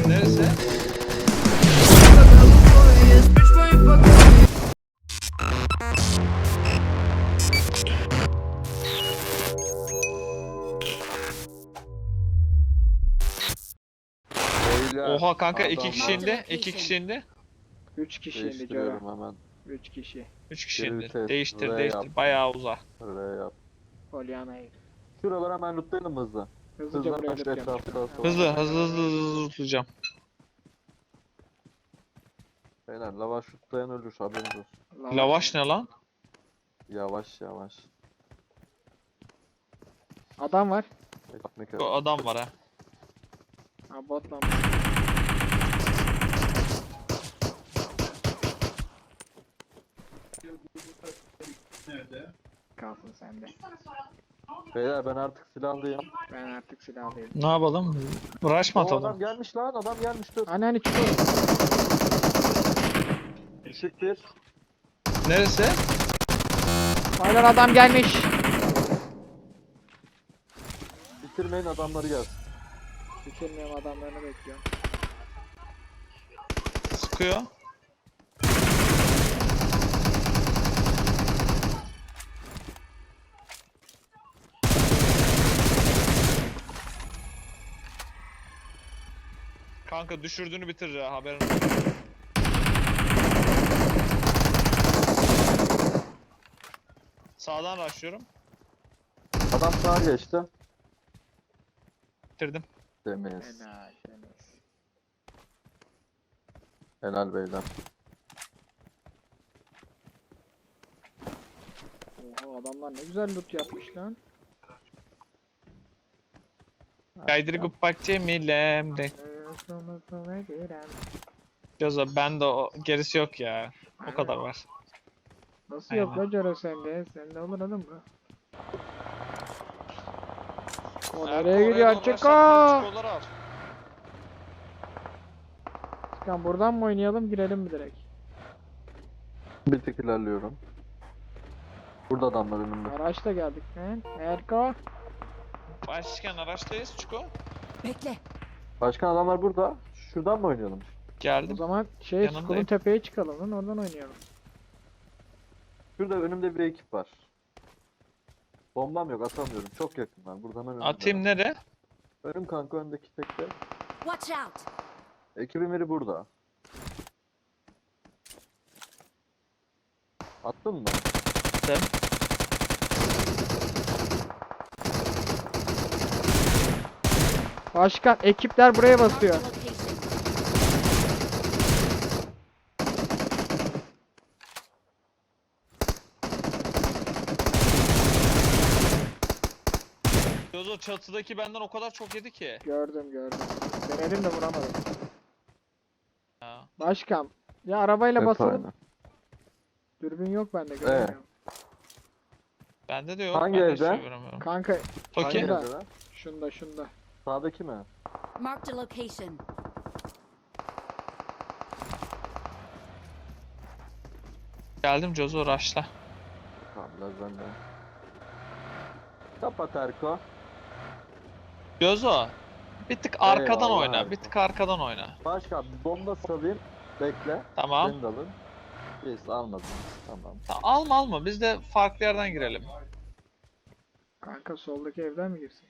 Neresi? Beyler, Oha kanka iki adamlar- kişi indi. İki kişi indi. 3 kişi indi Cora. Değiştiriyorum hemen. 3 kişi. Üç kişi Geri indi. vites, Değiştir R değiştir. yap. Bayağı uza. Öyle yap. Polyana'yı. Şuraları hemen lootlayalım hızlı. Hızlıca buraya Hızlı loot etrafta yapacağım. sonra. Hızlı tutacağım. Beyler lavaş lootlayan ölür haberiniz olsun. Lavaş ne lan? Yavaş yavaş. Adam var. Ekmek O arası. adam var ha. Ha bot lan. Kalsın sende. Beyler ben artık silahlıyım. Ben artık silahlıyım. Ne yapalım? Rush mı O adam atalım? gelmiş lan, adam gelmiş dur. Hani çıkıyor. Işık bir. Neresi? Aynen adam gelmiş. Bitirmeyin adamları gelsin. Bitirmiyorum adamlarını bekliyorum. Sıkıyor. Kanka düşürdüğünü bitirir ha haberin olsun. Sağdan rushlıyorum. Adam sağa geçti. Bitirdim. Demeyiz. Helal. Temiz. Helal beyler. Oha adamlar ne güzel loot yapmış lan. Kaydırıp bak Cemile'm. Göza bende o gerisi yok ya. O kadar var. Nasıl yok lan Cora sende? Sende olur oğlum bu. O nereye gidiyor? Çıkar! Çıkan buradan mı oynayalım girelim mi direkt? Bir tık ilerliyorum. Burada adamlar önümde. Araçla geldik lan. Erko. Başkan araçtayız Çuko. Bekle. Başkan adamlar burada. Şuradan mı oynayalım? O Geldim. zaman Yanındayım. Skulun tepeye çıkalım lan oradan oynayalım. Şurada önümde bir ekip var. Bombam yok atamıyorum. Çok yakınlar. Burada hemen önümde. Atayım nereye? Önüm kanka öndeki tekte. Watch out. Ekibin biri burada. Attın mı? Attım. Başkan ekipler buraya Marked a basıyor. location. Gözo çatıdaki benden o kadar çok yedi ki. Gördüm. Denedim de vuramadım. Ya. Başkan. Ya arabayla Hep basalım. aynı. Dürbün yok bende göremiyorum. Bende de yok. Hangi ben de evde? hiçbir şey göremiyorum. Kanka Toki. Hangi Burada. evde lan? şunda. Sağdaki mi? Marked a location. Geldim Gözo rush'la. Tamam biraz bende. Kapat Erko. Gözo. Bir tık arkadan Eyvallah oyna. Erko. Bir tık arkadan oyna. Başkan bomba salayım. Bekle. Tamam. Beni de alın. Biz almadım. Tamam. Alma biz de farklı yerden girelim. Kanka soldaki evden mi girsin?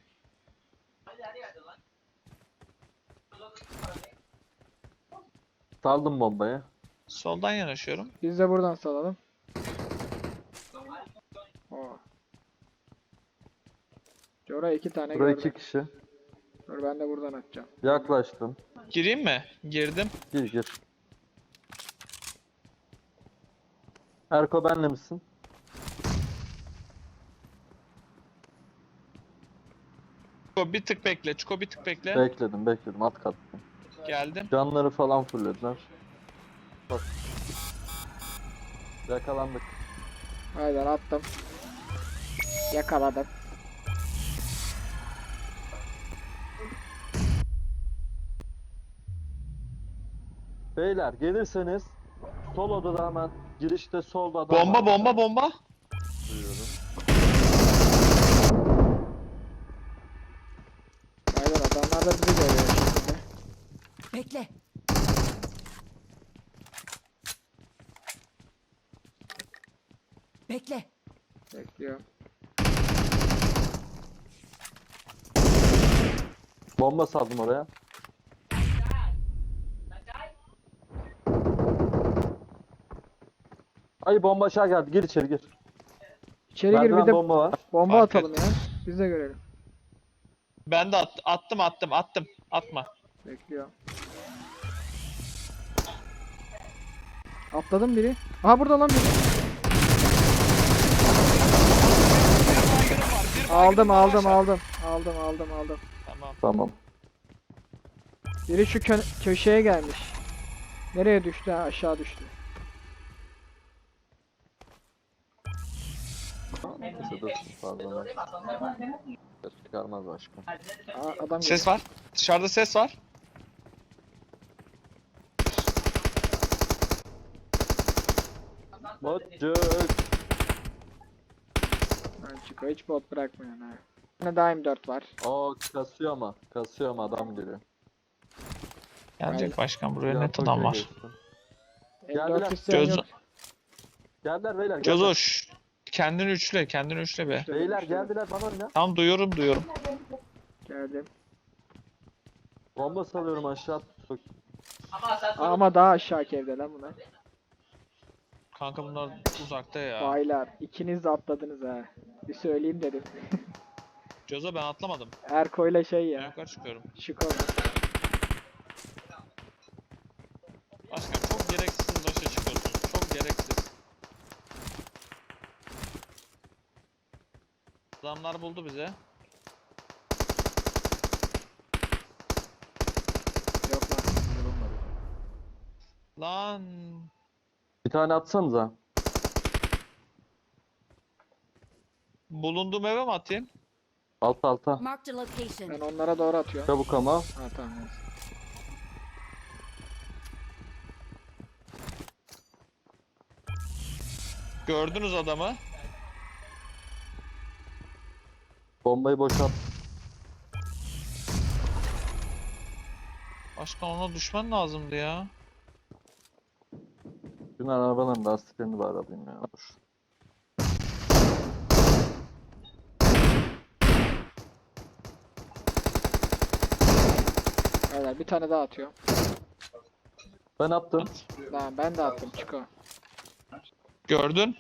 Saldım bombayı. Soldan yanaşıyorum. Biz de buradan salalım. Oo. Cora 2 tane Buraya gördüm. 2 kişi. Dur ben de buradan atacağım. Yaklaştım. Gireyim mi? Girdim. Gir. Erko benle misin? Çuko bir tık bekle. Çuko bir tık bekle. Bekledim. At kattım. Geldim. Canları falan fullediler. Bak. Yakalandık. Haydi attım. Yakaladım. Beyler gelirseniz sol odada hemen girişte solda adam var. Bomba. Duyuyorum. Haydi adamlar da bizi görüyor şimdi. Bekle. Bekle. Bekliyor. Bomba saldım oraya. Ay bomba aşağı geldi. Gir içeri gir. İçeri gir, bir Merdiven de bomba var. bomba Fark atalım ya. Biz de görelim. Ben de attım. Atma. Bekliyor. Atladım biri. Aha burada lan biri. Aldım. Tamam. Tamam. Biri şu köşeye gelmiş. Nereye düştü? Ha, aşağı düştü. Neyse dur. Pardon. Ses çıkarmaz başka. Adam geliyor. Ses var. Dışarıda ses var. Botcuk. Ha, çıkıyor. Hiç bot bırakmıyor ha. Bir tane daha M4 var. Aa kasıyor ama. Kasıyor ama adam geliyor. Gelecek başkan, buraya Ya, net adam Tokyo'ya var. geçtim. M4 Geldiler. isteyen Göz- yok. Geldiler beyler. Geldiler. Cozoş. Kendini üçle be. Beyler geldiler bana oyna. Tam duyuyorum. Geldim. Bomba salıyorum aşağı. Ama daha aşağıki evde lan bunlar. Kanka bunlar uzakta ya. Baylar, ikiniz de atladınız ha. Bir söyleyeyim dedim. Cozo ben atlamadım. Erko'yla şey Ben ya. yukarı çıkıyorum. Şiko. Başkan çok gereksiz başa çıkıyorsunuz. Çok gereksiz. Adamlar buldu bize. Yok lan. Bulunmadı. Lan. Bir tane atsanıza. Bulunduğum eve mi atayım? Alta. Marked a location. Ben onlara doğru atıyorum. Çabuk ama. Ha tamam. Neyse. Gördünüz adamı. Bombayı boşalt. Başkan ona düşman lazımdı ya. Dün arabanın lastiklerini bari alayım ya. Dur. Beyler bir tane daha atıyorum. Ben attım. Tamam ben de attım Çiko. Gördün.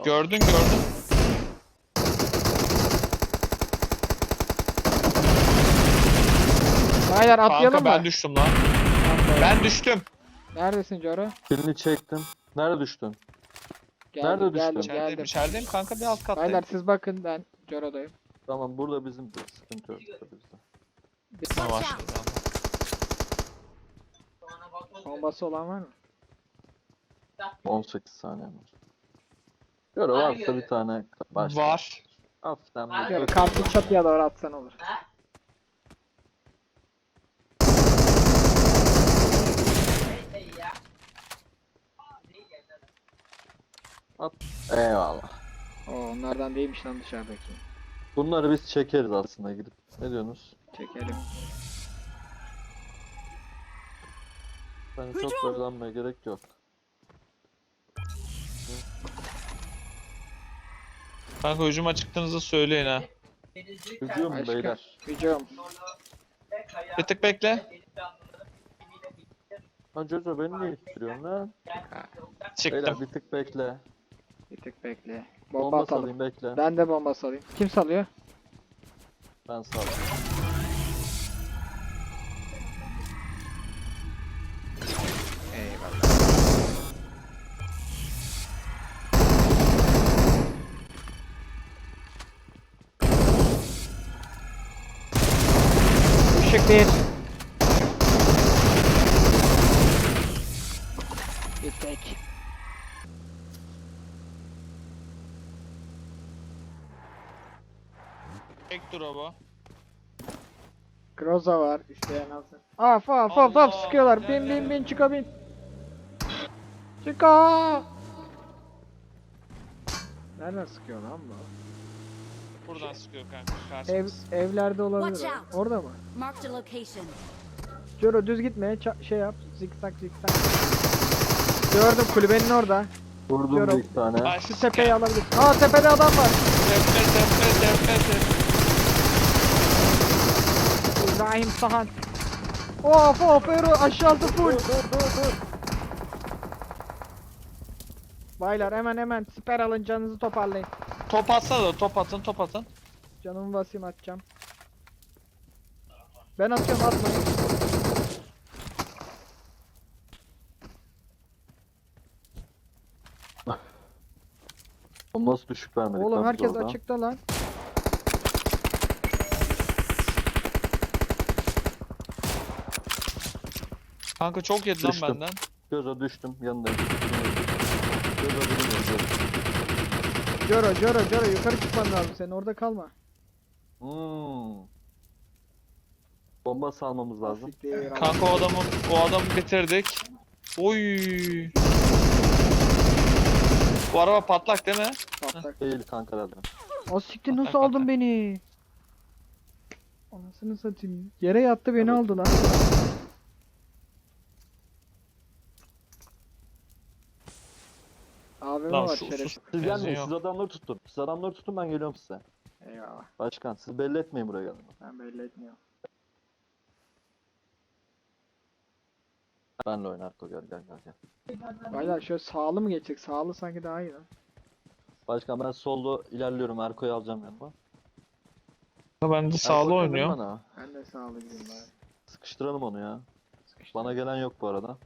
Beyler atlayalım Kanka ben mı? düştüm lan. Tamam, Ben düştüm. Neredesin Coro? Kilini çektim. Nerede düştün? Nerede düştün? Geldim. İçerideyim kanka, bir alt kattayım. Beyler siz bakın, ben Coro'dayım. Tamam burada bizim de sıkıntı yok burada bizde. Tamam, Watch başladı. Bombası olan var mı? 18 saniye var. Göre varsa bir tane başka. Var. Hafiften bir Coro kartı çatıya doğru atsan olur. at. Eyvallah. Oo, onlardan değilmiş lan dışarıdaki. Bunları biz çekeriz aslında gidip. Ne diyorsunuz? Çekelim. Yani çok zorlanmaya gerek yok. Kanka hücuma çıktığınızda söyleyin ha. Hücum Başka. beyler. Hücum. Bir tık bekle. Lan Jojo beni niye ittiriyorsun lan? Beyler Çıktım. bir tık bekle. Bir tık bekle. Bomba Bomba atalım. salayım bekle. Ben de bomba salayım. Kim salıyor? Ben salayım. Işık bir. Bir tek. Tek drop'u. Groza var, isteyen alsın. Af Allah, sıkıyorlar. gel. Bin Çiko bin. Çiko. Nereden sıkıyor lan bu? Buradan sıkıyor kanka. Karşımız. Evlerde olabilir. Watch o. out. Orada mı? Marked a location. Joro düz gitmeye şey yap. Zikzak zikzak. Gördüm kulübenin orada. Vurdum Diyorum. bir iki tane. Başka. Şu tepeyi alabilirsin. Aa tepede adam var. Tepe. İbrahim Sahan. Of Ero aşağısı full. Baylar hemen siper alın canınızı toparlayın. Top atsana da top atın. Canımı basayım atacağım. Ben atıyorum atmayın. O nasıl düşük vermedik Oğlum lan biz herkes orada? açıkta lan. Kanka çok yedi lan Düştüm. benden. Göze düştüm yanındayım. Göze bilmiyorum. Joro yukarı çıkman lazım senin orada kalma. Bomba salmamız lazım. Siktir. Kanka o adamı bitirdik. Oy. Bu araba patlak değil mi? Patlak. Değil kanka dedim. O siktir nasıl Patlak, aldın patlak. beni? Anasını satayım. Yere yattı beni Evet. aldı lan. AVM Lan var şu şeref. sus. Siz Benzin gelmeyin, yok. siz adamları tutun. Siz adamları tutun, ben geliyorum size. Eyvallah. Başkan siz belli etmeyin buraya gelin. Ben belli etmiyorum. Benle oyna Arko, gel. Baylar şöyle sağlı mı geçecek? Sağlı sanki daha iyi lan. Başkan ben solda ilerliyorum, Erko'yu alacağım yanıma. Ben de sağlı Erko, gelin oynuyor. bana. Ben de sağlı gideyim bari. Sıkıştıralım onu ya. Sıkıştı. Bana gelen yok bu arada.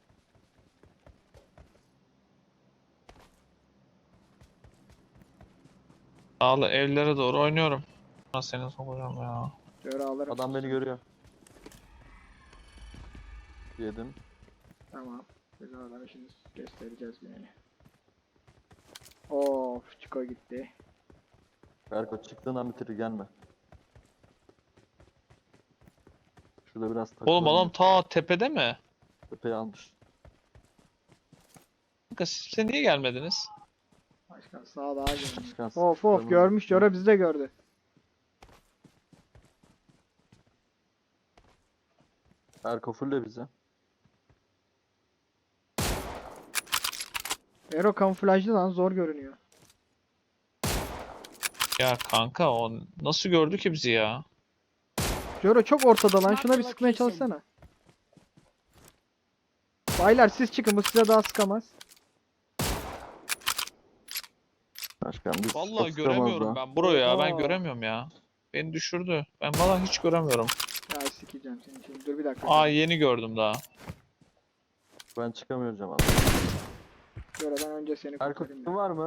Sağlı evlere doğru oynuyorum. Ben seni sokacağım ya. Şöyle alırım. Adam beni görüyor. Yedim. Tamam. Biz oradan şimdi göstereceğiz yani. Of Çiko gitti. Erko çıktığından bitir, gelme. Şurada biraz Oğlum takılalım. adam ta tepede mi? Tepeyi almış. Kanka siz niye gelmediniz? Başkan sağ daha görünüyor. Başkan, Of sıkıştıralım. görmüş. Joro bizi de gördü. Erko fulle bize. Ero kamuflajlı lan zor görünüyor. Ya kanka o nasıl gördü ki bizi ya? Joro çok ortada lan. Şuna bir sıkmaya çalışsana. Baylar siz çıkın bu size daha sıkamaz. Başkan biz Vallahi sıkamaz göremiyorum da. ben burayı ya. Ben Aa. göremiyorum ya. Beni düşürdü. Ben vallahi hiç göremiyorum. Ya sikeceğim seni şimdi. Dur bir dakika. Aa yeni gördüm daha. Ben çıkamıyorum abi. Joro ben önce seni Erko kurtarayım. kim var mı?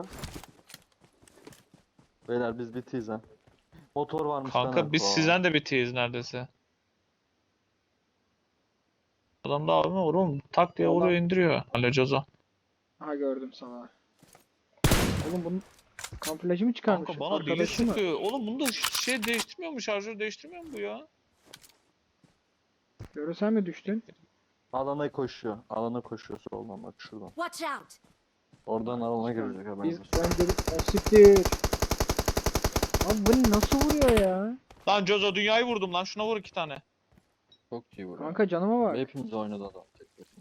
Beyler biz bitiyiz ha. Motor varmış lan Kanka biz Erko. sizden de bitiyiz neredeyse. Adam da abime vuruyor. Tak diye vuruyor indiriyor. Alo Cozo. Aha gördüm sana. Oğlum bunun kamuflajı mı çıkarmış? Kanka bana biri Arkadaşı mı? sıkıyor. Oğlum bunda şey değiştirmiyor mu? Şarjör değiştirmiyor mu bu ya? Joro sen mi düştün? Alana koşuyor. Alana koşuyor soldan, bak şuradan. Watch out! Oradan alana girecek Biz haberiniz olsun. ben gelip siktir. Abi bu nasıl vuruyor ya? Lan Cozo dünyayı vurdum lan. Şuna vur 2 tane. Çok iyi vuruyor. Kanka canıma bak. Hepimiz oynadı adam tek başına.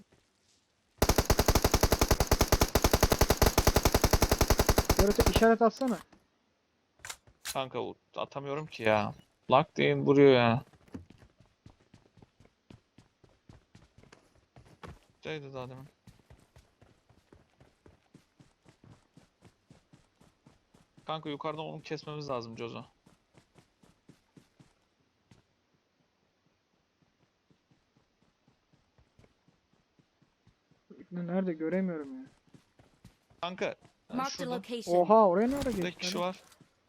Joro sen işaret atsana. Kanka atamıyorum ki ya. Lak diye vuruyor ya. Şeydi daha demin. Kanka yukarıdan onu kesmemiz lazım Cozo. Nerede göremiyorum ya. Kanka Marked a şurada location. Oha oraya ne ara tek geçti? kişi lan? var.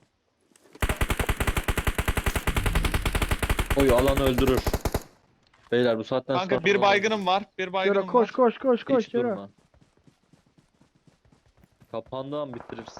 Oy alanı öldürür. Beyler bu saatten sonra... Kanka bir baygınım var. Bir Joro baygınım koş var. koş koş koş Hiç Joro. durma. Kapandığı an bitirirsin.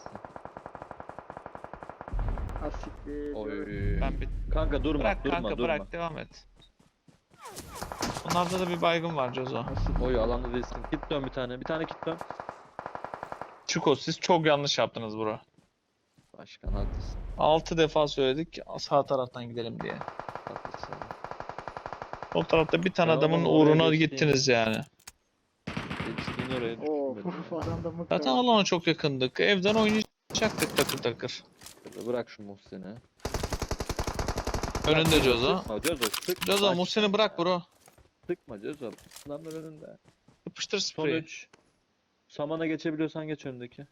Ha siktir. Joro. Oy. Ben bir Kanka durma, bırak durma, kanka durma. bırak devam et. Onlarda da bir baygın var Cozo. Ha siktir. Oy alanda değilsin. Git dön bir tane. Bir tane git dön. Çiko siz çok yanlış yaptınız bro. Başkan haklısın. 6 defa söyledik sağ taraftan gidelim diye. Haklısın. O tarafta bir tane Ben adamın adamı oraya uğruna geçtiğim- gittiniz yani. Geçtiğin oraya Oo, düştüm adam da mıknatıs. Zaten alana çok yakındık. Evden oynayacaktık takır takır. benim. Bırak şu Muhsin'i. Önünde Cozo. Sıkma Cozo sıkma. Cozo Bak, Muhsin'i bırak bro. Sıkma Cozo. Adamlar önünde. Yapıştır Son spreyi. 3. Samana geçebiliyorsan geç öndeki.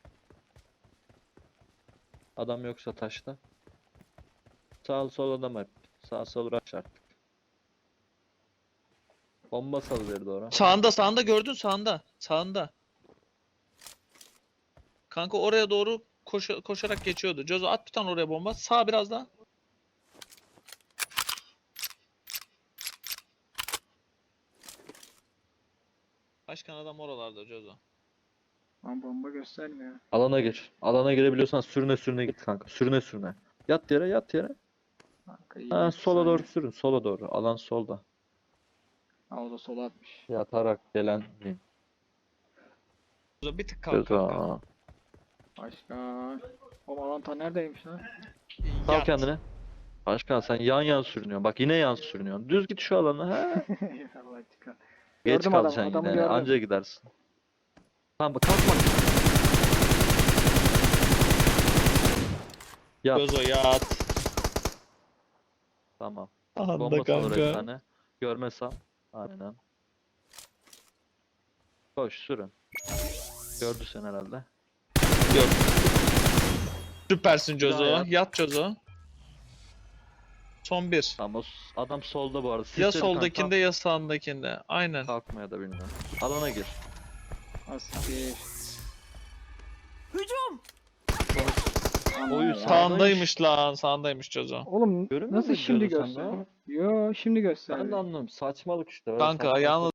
Adam yoksa taşta. Sağ sol adam hep. Sağ sol rush artık. Bomba salıverdi oraya. Sağında gördün sağında. Sağında. Kanka oraya doğru koşarak geçiyordu. Cozo at bir tane oraya bomba. Sağ biraz daha. Başkan adam oralarda Cozo. Lan bomba göstermiyor. Alana gir. Alana girebiliyorsan sürüne sürüne git kanka. Sürüne sürüne. Yat yere yat yere. Kanka iyi Ha, bir sola saniye. doğru sürün. Sola doğru. Alan solda. Ha, o da sola atmış. Yatarak gelen. Cozo bir tık kalk kanka. Aa. Başka. O avantaj neredeymiş lan? Sal Yat. kendine. Başkan sen yan sürünüyorsun. Bak yine yan sürünüyorsun. Düz git şu alana. Ha. Allah dikkat. Geç Gördüm adamı, kalacaksın adamı yine. gördüm. Anca gidersin. Tamam bak kalkma. Yat. Cozo yat. Tamam. Anda Bomba sal oraya bir kanka. tane. Görmesem. Aynen. Koş sürün. Gördü sen herhalde. Yok. Süpersin Bir daha Cozo. yat. Yat Cozo. Son bir. Tamam adam solda bu arada. Ya Sisledi kanka, soldakinde ya sağındakinde. Aynen. kalkmaya da bilmiyorum. Alana gir. Asiktir. Hücum! Oyu Ya. sağ- Sağındaymış lan. Sağındaymış Cozo. Oğlum Görünmüyor nasıl mu şimdi diyorsun sen gösteriyor? de? Yo şimdi Ben de gösteriyor. anlamıyorum. Saçmalık işte. öyle Kanka saçmalık yalnız